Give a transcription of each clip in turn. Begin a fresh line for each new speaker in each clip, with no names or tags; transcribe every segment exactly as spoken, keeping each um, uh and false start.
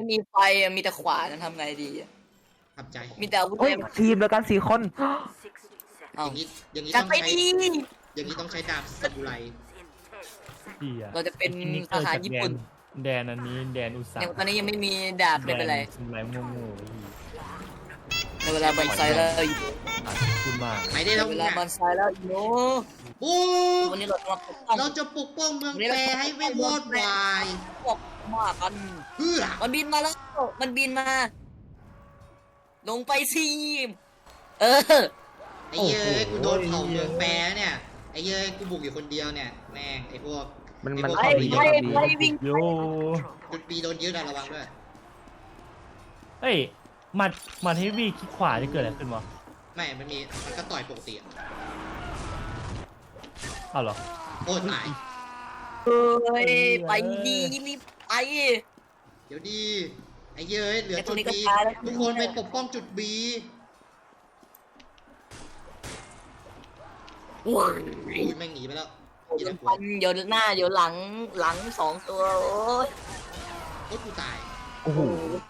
มันมีไฟอะมีแต่ขวานทำไงดีอะ
ทำใจ
มีแต่อาวุธ
เฮ้ย
เต็ม
ทีมเดียวกันสี่คน
อ
เอ้า
ย่างนี้อย่างนี้
จั
ต้
ด
อง
ไป
ใช้
ดี
อย่างนี้ต้องใช้ดาบซามูไร
พี่อะ
เราจะเป็น
ไอ้นี่
ทหารญี่ปุ่น
แดนอันนี้แดนอุตสา
เนี่ย
ห
ตอนนี้ยังไม่มีดาบไม่เป็นไร
ทำไรโง่ๆพี่
ในเวลาบอนไซแล้วอยู่
อาจจะพูดมาก
ไปได้
ใน
แล้ว
เว
เนี่
ลาย บอนไซแล้วอยู่
บูม
วันนี้เราจะมาปกป้อง
เราจะปกป้องเมืองแปรให้ไม่วอดวาย
พวกมากัน
เพื่อ
มันบินมาแล้ว มันบินมา ลงไปสิเออ
ไอ้เย้ยกูโดนเผาเมืองแปรเนี่ยไอ้เย้ยกูบุกอยู่คนเดียวเนี่ยแม่งไอ้พวก
มัน
ไอ้
มัน
พวก
เข้า
เขา
ไป
ดี
เยอะดี
ไปวิ่ง
โย
จุดบีโดนยึดอะระวังด้วย
เฮ้ยมามาเทวีคลิกขวาจะเกิดอะไรขึ้นวะ
ไม่มันมีมันก็ต่อยปกติอะ
อ้าวเหรอ
โอ้ตาย
เอ้ยไปดีรีบไป
เดี๋ยวดีไอ้เย้ยเหลือ
ไอ้ตั
จุ
ว
ด
นี้ก็
บี
ตายแล้ว
ทุกคนไปปกป้องจุดบี
ว้าย
อุ้ยแม่งหนีไปแล้ว
เดี๋ยวฟันเดี๋ยวหน้าเดี๋ยวหลังหลังสองตัวโอ้ย
โอ้กูตาย
โอ้โห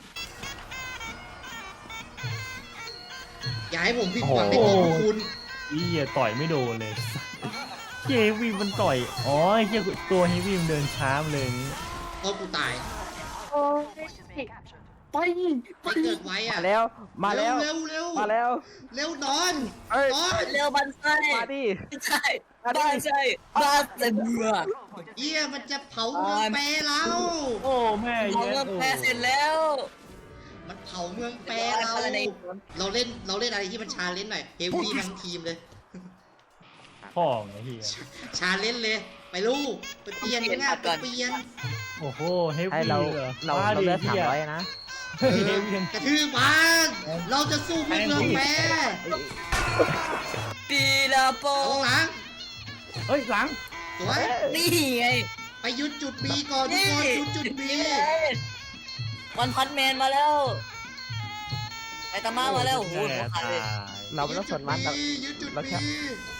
อย่าให้ผมผิดหวังในตัวพวกคุณ
พี่อะต่อยไม่โดนเลยเฮวีมันต่อยอ๋อไอ้เหี้ยตัวเฮวีมันเดินช้ามาเลยอย่างงี้
โอ้กูตาย
โอ้ยไป
ไปเกิดไว้อะ
มาแล้วมาแล้ว
เร็วเร็ว
มาแล้ว
เร็วนอน
เอ้ย
นอน
เร็วบันไส้
มาดิ
ใช่บ้านใช่บ้านเต็มเมือง
เยี่ยมันจะเผาเมืองแปรเรา
โอ้แม่
เรา
เหี้ย
เริ่มแพ้เสร็จแล้ว
มันเผาเมืองแปรเรา เราเล่นเราเล่นอะไรที่มันชาเลนจ์หน่อยเฮฟวี่ทั้งทีมเลย
พ่อไงเฮีย
ชาเลนจ์เลย ไปลูกไปเปลี่ยนงานไปเปลี่ยน
โอ้โหเฮ
ให้
วี
เรา
เหรอ
เรา
บ้
เราเลือก
ดิ
สาม
หี้ย
ร้อยนะ
เฮ้ยเฮวี
กระทืบมันเราจะสู้เพื่อเมืองแปร
ปีลาโป
เอาหลัง
เฮ้ยหลัง
สวย
นี่ไง
ไปยึดจุดบีก่อนทุกคนยึดจุดบี
วันพันแมนมาแล้วไอตามามาแล้วโอ้โหหัวขาดเลย
เราไม่ต้องสนมันเรา
ยึดจุด
เราแค่
บี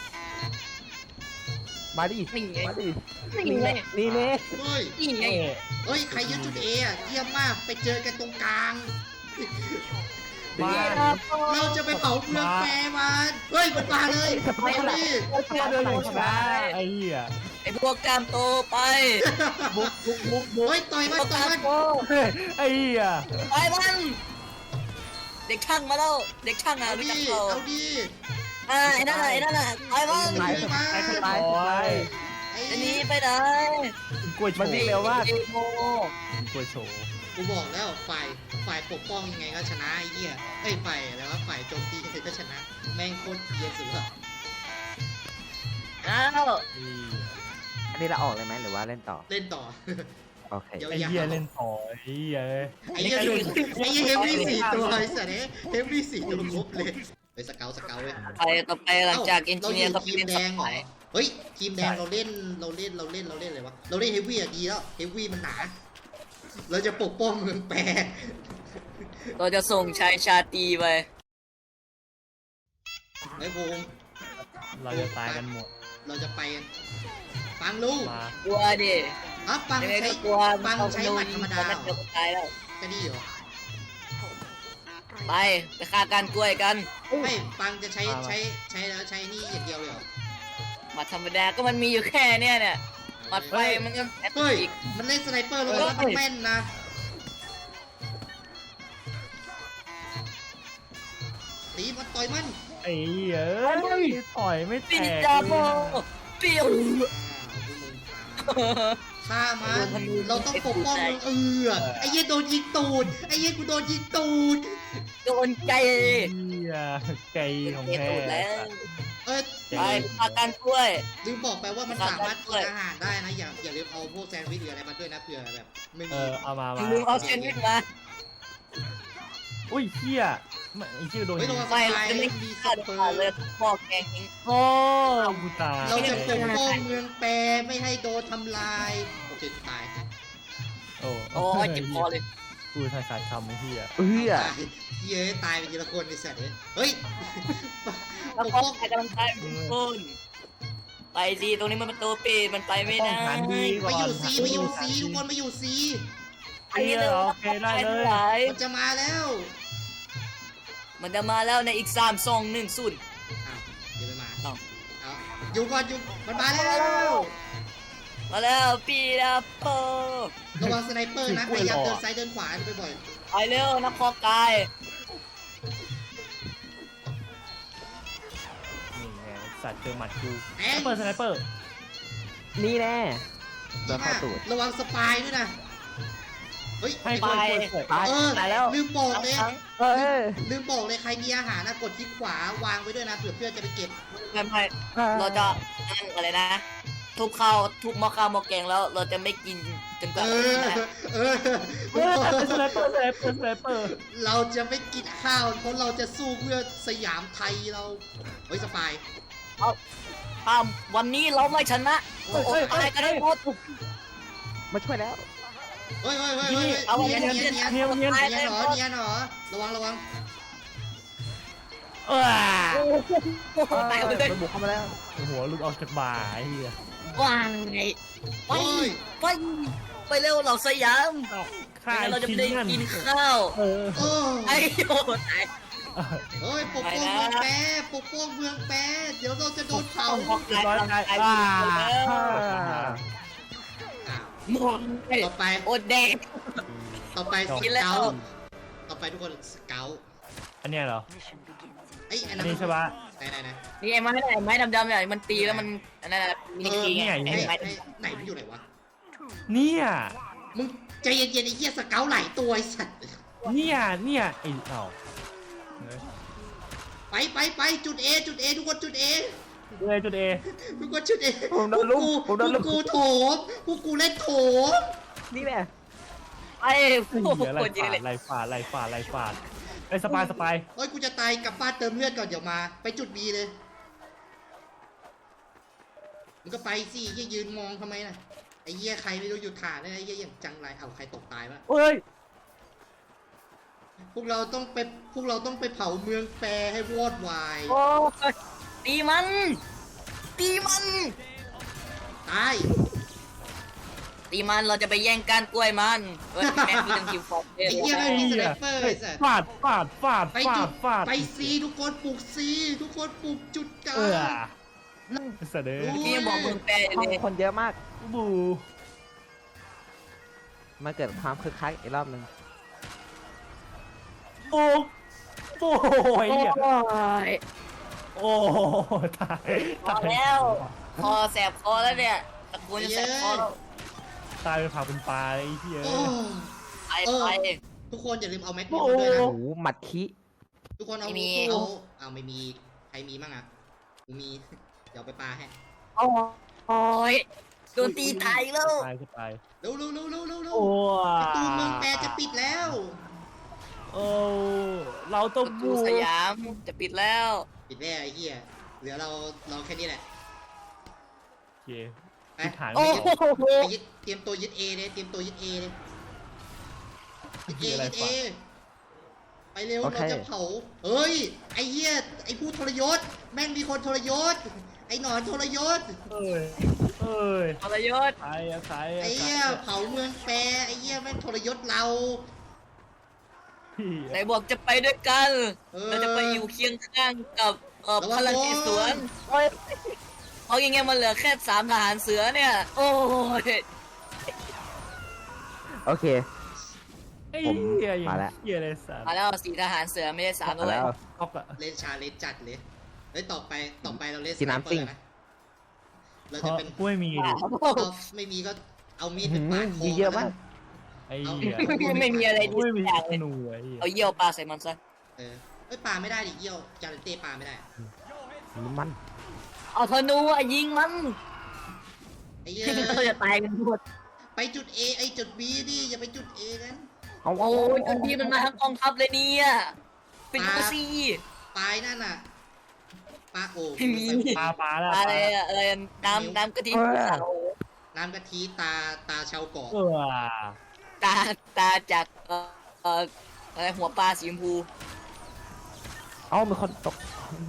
มาดิ
นี่ไง
มาดิ
นี่ไง
นี่เน่
เฮ้ย
นี่ไง
เฮ้ยใครยึดจุดเออะเยี่ยมมากไปเจอกันตรงกลาง
มา
เราจะไปเผาเมืองแปรมันเฮ้ยมันมาเลยไปดิ
เราเชื่อเรื่องของฉัน
ไอ้เหี้ย
ไอพวกกล้ามโตไป
บุกบุกบุกบุก
เฮ้ยต่อย
พ
มัน
วก
ต่
ก
อย
ล้าม
มัน
โต
เฮ้ยไอ้เหี้ย
ไปมันเด็กช่างมาแล้วเด็กช่างอ่ะ
เอา
รู้
ดิ
จักเขา
เอาดิ
อ่าไอ้นั่นน่ะไอ้นั่นน่ะไปมัน
ตายตายตายตาย
ไอ้
อันนี้ไปไหน
กล้วยโช
มัน
ว์
วิ่งเร็วมาก
ไอ้โม
กล้วยโชว์
กูบอกแล้วฝ่ายฝ่ายปกป้องยังไงก็ชนะไอ้เหี้ยไอ้ยฝ่ายอะไรวะฝ่ายโจมตีก็ชนะ แม่งโคตรเกรียนสุดอะ
อ้าว
ไอ้
อันนี้เราออกเลยไหมหรือว่าเล่นต่อ
เล่นต่อ
โอเค
เดี๋ยว
ไอ้เหี้ยเล่นต่อไอ้เหี้ย
ไอ้เหี้ยไอ้เหี้ยเฮฟวี่สี่ตัวไอ้สัตว์เนี่ยเฮฟวี่สี่ตัวครบเลยไปสเกลสเกลเว้ย
ไปต่อไปหลังจากเอนจิเนียร์ก็
เรา
ไป
อยู่ทีม
เล่น
แด
สั
ง
ก
เหร
ห
อ
น่อย
เฮ้ยทีมแดงเราเล่นเราเล่นเราเล่นเราเล่นอะไรวะเราเล่นเฮฟวี่อะดีแล้วเฮฟวี่มันหนา เราจะปกป้องเมืองแปร
เราจะส่งชายชาตรีไป
ไอ้ภูมิ
เราจะตายกันหมด
เราจะไปกันปังลูก
มาก
ลัวดิ
อ่ะปัง
ยังไง
ใช้
ก็กลัว
ปังใช้หมัดธรรมดา
มัน
เหร
จะ
อ
ตายแล้ว
จะดีเหรอ
ไปไปฆ่าการกล้วยกัน
ไม่ปังจะใช้ใช้ใช้แล้วใช้นี่อย่างเดียวเลยเหรอ
หมัดธรรมดาก็มันมีอยู่แค่เนี้ยเนี่ยหมัดไฟมันก็แอต
เฮ้ย
อีก
มันเล่นสไนเปอร์แล้วแล้วมันแม่นนะตีมันต่อยมัน
ไอ้เหี้ยเอ้ยต่อยไม่แต
ปิ
ก
จาโบเปียว
ฆ่ามันเราต้องปกป้องมึงเออไอ้เหี้ยโดนยิงตูดไอ้เหี้ยกูโดนยิงตูด
โดนใจ
เหี้ยไก่ของ
เตะ
แท้
ตูดแล้ว
เออ
ไปฆ่าการกล้วย
ลืมบอกไปว่ามันสามารถกินอาหารได้นะอย่าอย่าลืมเอาพวกแซนด์วิชหรืออะไรมาด้วยนะเผื่อแบบไม่
เอ
มี
อเอามามา
ลืมเอาเซนวิชมา
อุ้ยเหี้ยไม่ไอ้ชื่อโดน
เฮ้ย
ยิ
เรา
ง
ไป
ไม่เราจะไม่
มีส
ฆ่า
เปอ
ขาด
ร์
เลยพ่อแกงทิ้ง
โอ้กูตาย
เราจะปกป้องเมืองแปรไม่ให้โดนทำลายโอเคตาย
โอ้
โอ้ยเจ็บคอเลย
กูทายขาดคำไอ้เหี้ย
เฮ้ย
ตายเย้ยตายไปทีละคนไอ้สัตว์เอ้ยเฮ้ย
แล้ว
ปก
พ่อ
ป้อง
ใครกำลังตายเป็นคนไปดีตรงนี้มันเป็นตัวปีมันไปไม่ได้
ป้องกันดี
ไปอยู่ซีไปอยู่ซีทุกคนไปอยู่ซี
ไอ้เร็ว
โอเคได้เลย
หลาย
มันจะมาแล้ว
มันจะมาแล้วในอีกสามสองหนึ่งศูนย์
อ้าวเดี๋ยวไปมา
เอ้า
เอาอยู่ก่อนอยู่มันมาแล้ว
มาแล้วปีดับเปอร์
ระวังสไนเปอร์นะพยายามเดินซ้ายเดินขวาไปบ่อย
ไปเร็วนักพอกาย
นี่ไงสัตว์เจอหมัดกู
แอ
สไน
ง
เปอร์สไนเปอร์
นี่แน่
ดี
เดิน
มา
เข้าก ตูด
ระวังสปายด้วยนะเฮ้ย
ให้ช่วยช่วยช่วย
ตาย
เออ
ตายแล้ว
ลืมบอกเลย
ทั้ง
เออ
ลืมบอกเลยใครมีอาหารนะกดคลิกขวาวางไว้ด้วยนะเผื่อเพื่อนจะไปเก็บ
ไม่ไม่เราจะนั่งอะไรนะ ทุบข้าวทุบหม้อข้าวหม้อแกงแล้วเราจะไม่กินจนก
เอ
ว่า
อเออ
เออสไนเปอร์สไนเปอร์สไนเปอร์
เราจะไม่กินข้าวเพราะเราจะสู้เพื่อสยามไทยเราเฮ้ยสปาย
ถ้าวันนี้เราไม่ชนะโอ้โหตายกันได้หมด
มาช่วยแล้ว
เฮ้ยเฮ้ยเฮ้ยเฮ้ย
เอา
เนียน
เนี
เนี
ย
ย
น
นเนียน
เนียนเนียน
เนียนเหรอเนียนเหรอระวังระวัง
เออ
ตายไปเลย
มันบุกเข้ามาแล้ว
หัวหลุดออกจากบ่าไอ้เหี้ย
ว่างไงไป
เฮ้ย
ไปไปเร็วเราสยาม
ฆ่า
ไม่งั้น
ไอ้
เราจะ
คิ
ไม่
ง
ได้
นั่น
กินข้าว
เออ
โอ้
ไอ้โอ้ตาย
เฮ้ยปกป้องเมืองแปรปกป้องเมืองแปรเดี๋ยวเราจะโดนเผา
พอกายกาย
อ่า
อ้าว
มอง
ต่อไป
โอแดง
ต่อไปส
กินแล้ว
เกลต่อไปทุกคนสเกล
อันเนี้ยเหรอ
ไอ้ยอัน
อั
นั้น น
นี้ใช่ปะ
ไหนไหนไหน
นี่ไอ้ไม้ไอ้ไม้ดำๆเนี่ยมันตีแล้วมันอันนั้นมินิกีไง
เออ
ไอ้
เนี่ย
ไม้
ไหนไหนมันอยู่ไหนวะ
เนี่ย
มึงใจเย็นๆไอ้เหี้ยสเกลหลายตัวไอ้สัตว์
เนี่ยเนี่ยไอ้เอ้า
ไปไปไปจุด A จุด A ทุกคนจุด A
เลยจุดเอ
ทุกคนจุด A
ผมโดนลุมผมโดน
พ
ลุ
ว
ม
กกูโถมพวกกูเล่นโถม
นี่แน่
ไอ้พวก
เหี้ย
คนเยอะเลย
ไล่ฟาดไล่ฟาดไล่ฟาดไอ้สปายสปาย
เฮ้ยกูจะตายกลับบ้านเติมเลือดก่อนเดี๋ยวมา ไปจุด B เลยมึงก็ไปสิเหี้ยยืนมองทำไมน่ะไอ้เหี้ยใครไม่รู้หยุดถ่านเลยไอ้เหี้ยอย่างจังไรเอาใครตกตายวะ
เอ้ย
พวกเราต้องไปพวกเราต้องไปเผาเมืองแปรให้วอดวาย
โอ้ยตีมัน ตีมัน
ตาย
ตีมันเราจะไปแย่งก้านกล้วยมันเฮ้ยแม่งคือจังคิวฟอกเลย
ไอ้เหี้ยไม่มีสไนเปอร์ไอ้สัส
ฟาดฟาดฟาด
ไป
ฟา
จุ
ด
ด
ฟาด
ไปซีทุกคนปลุกซีทุกคนปลุกจุดกลา
เออง เสด็จ
โอ้
ที่ยังบอกมึงแปล
ห้อง
เลย
คนเยอะมาก
บู
มาเกิดความคึกคักอีกรอบหนึ่ง
โอ้โอ้ย
โอ้
เนี่ย
ย
โอ้ตาย
พอแล้ว คอแสบคอแล้วเนี่ยตะกูจะแสบคอแล้ว
ตายเป็นผักเป็นปลาไอ้เหี้ย
โอ้
ไปไป
ทุกคนอย่าลืมเอาแม็กนิมมาด้วยนะ
โอ้โหหมัดคิ
ทุกคนเอา
ไม่มี
เอาเอาไม่มีใครมีมั่งอ่ะกูมี เดี๋ยวไปปาให้
โอ้ยโดนตีตายแล้ว
ตายก็ตาย
เร็วเร็วเร็วเร็วเร็วเร็ว
โอ้
ประตูเมืองแปรจะปิดแล้ว
โอ้เราต้อง
ประตู
บู
สยามจะปิดแล้ว
ปิดแล้วไอ้เหี้ยเหลือเราเราแค่นี้แหละ
โอเค
ไป
ที่ฐาน
โอ้
ไม่
โห
ไปยึดเตรียมตัวยึด A เลยเตรียมตัวยึด A เลยยึด A
มีอะไร
ยึด A
ฝาก
ไปเร็วเราจะเผาเฮ้ยไอ้เหี้ยไอ้ผู้ทรยศแม่งมีคนทรยศไอ้หนอนทรยศ
เอ้ยเอ้ย
ทรยศ
ใครอะใครอะ
ไอ้
ใคร
เหี้ย
อะ
เผาเมืองแปรไอ้เหี้ยแม่งทรยศเรา
พี่
ไหนบอกจะไปด้วยกัน
เออ
เราจะไปอยู่เคียงข้างกับเอ่อ
ระวั
พ
ง
ลังจิตสวน
โอ้ย
เพราะยังไงมันเหลือแค่สามทหารเสือเนี่ย โอ้ย
โอเค
ไอ้
ผม
เหี้ยอย่าง
มาแล้ว
เหี้ยเลยสัตว์
มาแล้วสี่ทหารเสือไม่ใช่สาม
มา
ด้วย
แล้ว
ออกอะ
เล่นชาเลนจ์จัดเลยเฮ้ยต่อไปต่อไปเราเล่น
กินน้ำ
สไเปอร์
ปิ้ง
นะเรา
เพ
จะ
ราะ
เป็น
กูไม่มีดิ
เอาไม่มีก็เอามีดเป็นปาดคอ
มีเยอะมาก
ไอ้เหี้ย
ไม่มีอะไร
กู
ดี
ไม่มี
อย่าง
ธ
เลย
นูไอ้เหี้ย
เอาเยี่ยวปลาใส่มันซะ
เออเอ้ยปาไม่ได้ดิเยี่ยวจาร์เต้ปาไม่ได้
น้ำมัน
เอาธนูอ่ะยิงมัน
ไอ้เหี้ย
เราจะตายกันหมด
ไปจุด A ไอ้จุด B ดิอย่าไปจุด A กัน
เอา
โอ้ยจนที่มันมาทั้งกองทัพเลยเนี่ยเป็นกูซี่
ปลายนั่นน่ะปลาโอ้
ไม่มี
ปลาปลาแล้ว
อะไรอะอะไรอะน้ำน้ำกะทิภูเขา
น้ำกะทิตาตาชาวเกาะ
เออ
ตาตาจากเอ่อเอ่ออะไรหัวปลาสีชมพู
เอามีคนตก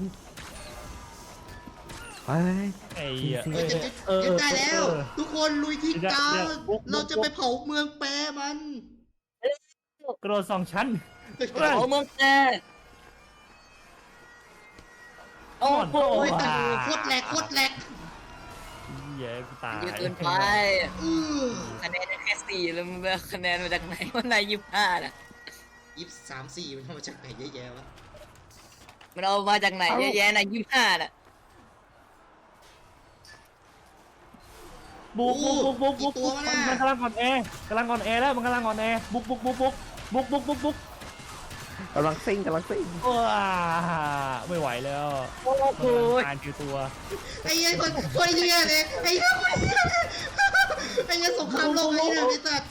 เฮ้ย
ไอ้เหี้ย
จริงๆ
เฮ้ยจะยึด
เออ
ยึดได้แล้ว
เออ
ทุกคนลุยที่
เดี๋ยว
กลาง
เดี๋ยวบุกบุก
เราจะไปเผาเมืองแปรมัน
กระโดดสองชั้น
เฮ้ย
เฮ้ย
โอ้เมืองแกโอ้โห
โอ้ยแต่โคตรแหลกโคตรแหลก
เย้กูตาย
เยอะเกินไป
อื้อ
คะแนนได้แค่สี่แล้วมันเอาคะแนนมาจากไหนวันไหนยี่สิบห้าน่ะ
ยี่สิบสามสี่มันเอามาจากไหนเยอะแยะวะ
มันเอามาจากไหนเยอะแยะนะยี่สิบห้าน่ะ
บุกบุกบุกบุกบุกบุกมันมันกำลังอ่อนแอกำลังอ่อนแอแล้วมันกำลังอ่อนแอบุกบุกบุกบุกบุกบุกบุกบุก
กำลังซิ่งกำลังซิ่ง
ว้าไม่ไหวแล้ว
โอ้โห
การคือตัว
ไอ้เหี้ยคนคนเหี้ยเลยไอ้เหี้ยคนเหี้ยไอ้เหี้ยสงครามโลกไอ้เหี้ยไอ้สัตว์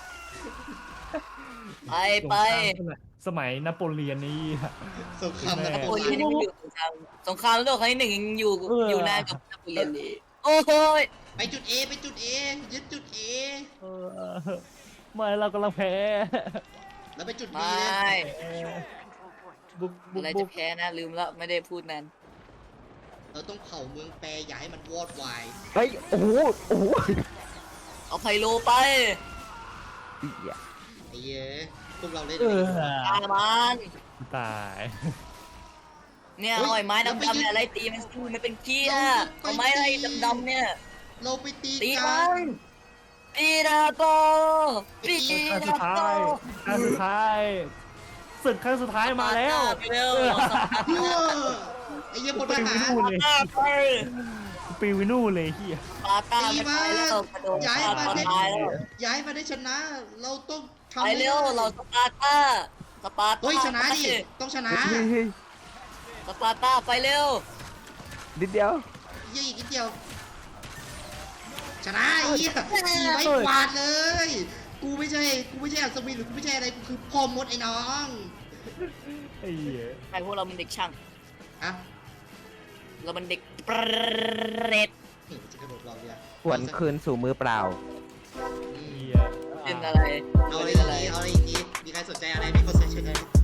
ไปไป
สมัยนโปเลียนนี่
สงครามนะ
นโปเลียนยังอยู่สงครามสงครามโลกครั้งที่หนึ่งยังอยู่อยู่นานกับนโปเลียนเลยโอ้โห
ไปจุด A ไปจุด A ยึดจุด A
เออไม่เรากำลังแพ้
แล้วไปจุด B
ไม
เล่ ย
บุกบุ
อะ
ก
ไร
บุ
จะ
ก
แพ้นะลืมแล้วไม่ได้พูดนั้น
เราต้องเผาเมืองแปรอย่าให้มันวอดวาย
เฮ้ยโอ้โหโอ้โห
เอาไพโลไป
เหี้ย
ไอ้เหี้ยพวกเราเล่น
เออ
ตายมัน
ตาย
เนี่ยเอาไอ้ไม้ดำๆเนี่ยไล่ตีมันสิมันเป็นเกี้ยเอาไม้ไล่ดำๆเนี่ย
เราไปตี
ตี
กั
มัน นปีนาโตปี
ครั้งสุ
นา
ดท้า
โต
ยครั้งสุดท้ายศึกครั้งสุดท้ายมาแล้ว
ไปเร็ว
เหี้ยไอ้เหี้ยพลท
ปิว
หา
วิ
ร
นู่นเลย
ตาไป
ปิววินู่นเลยเฮีย
ปาต้า
ตี
ไม่
มา
ไปแล้วกระโดด
ย้าย
ฆ่า
มา
ตัว
ได้
ตายแล้ว
ย้ายมาได้ชนะ เราต้องทำ
ไป
ให้
เร็ว
ได้
เราสปาร์ต้าสปาร์ต้า
เฮ้ยชนะดิต้องชนะ
เฮ้ยเฮ้ย
สปาร์ต้าไปเร็ว
นิดเดียว
เยี่ยอีกนิดเดียว ชนะไอ้เหี้ยขี่ไม่กวาดเลย กูไม่ใช่ กูไม่ใช่อัศวินหรือกูไม่ใช่อะไร กูคือพ่อมดไอ้น้อง
ไอ้เหี้ย
ไอพวกเรามันเด็กช่าง
อะ
เรามันเด็กเปรต
นี่จะกระโดดรอเรือ
หวนคืนสู่มือเปล่า
อืม
เหี้ย
เป็นอะไร
เอาอะไร
เป็น
อีก
อะไร
ทีเอาอะไรอีกทีมีใครสนใจอะไรมีคนสนใจอะไร